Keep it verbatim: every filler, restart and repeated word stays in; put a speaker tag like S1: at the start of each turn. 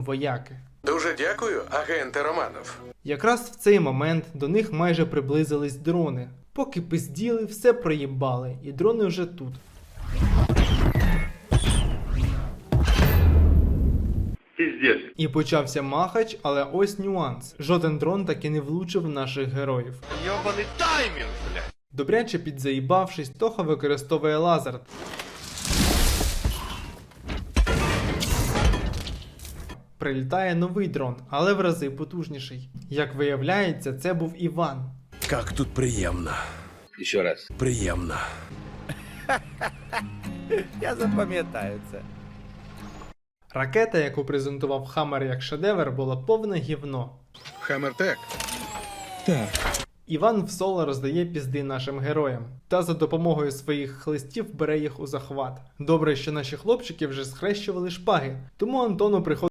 S1: вояки.
S2: Дуже дякую, агенте Романов.
S1: Якраз в цей момент до них майже приблизились дрони. Поки пизділи, все проїбали, і дрони вже тут.
S3: Пиздец.
S1: І почався махач, але ось нюанс. Жоден дрон таки не влучив в наших героїв.
S3: Ёбаный тайминг, блядь.
S1: Добряче підзаїбавшись, Тоха використовує лазер. Прилітає новий дрон, але в рази потужніший. Як виявляється, це був Іван.
S4: Как тут приємно.
S3: Еще раз.
S4: Приємно.
S5: Я запам'ятаю це.
S1: Ракета, яку презентував Хаммер як шедевр, була повне гівно.
S2: Хаммертек.
S1: Іван в соло роздає пізди нашим героям, та за допомогою своїх хлистів бере їх у захват. Добре, що наші хлопчики вже схрещували шпаги, тому Антону приходить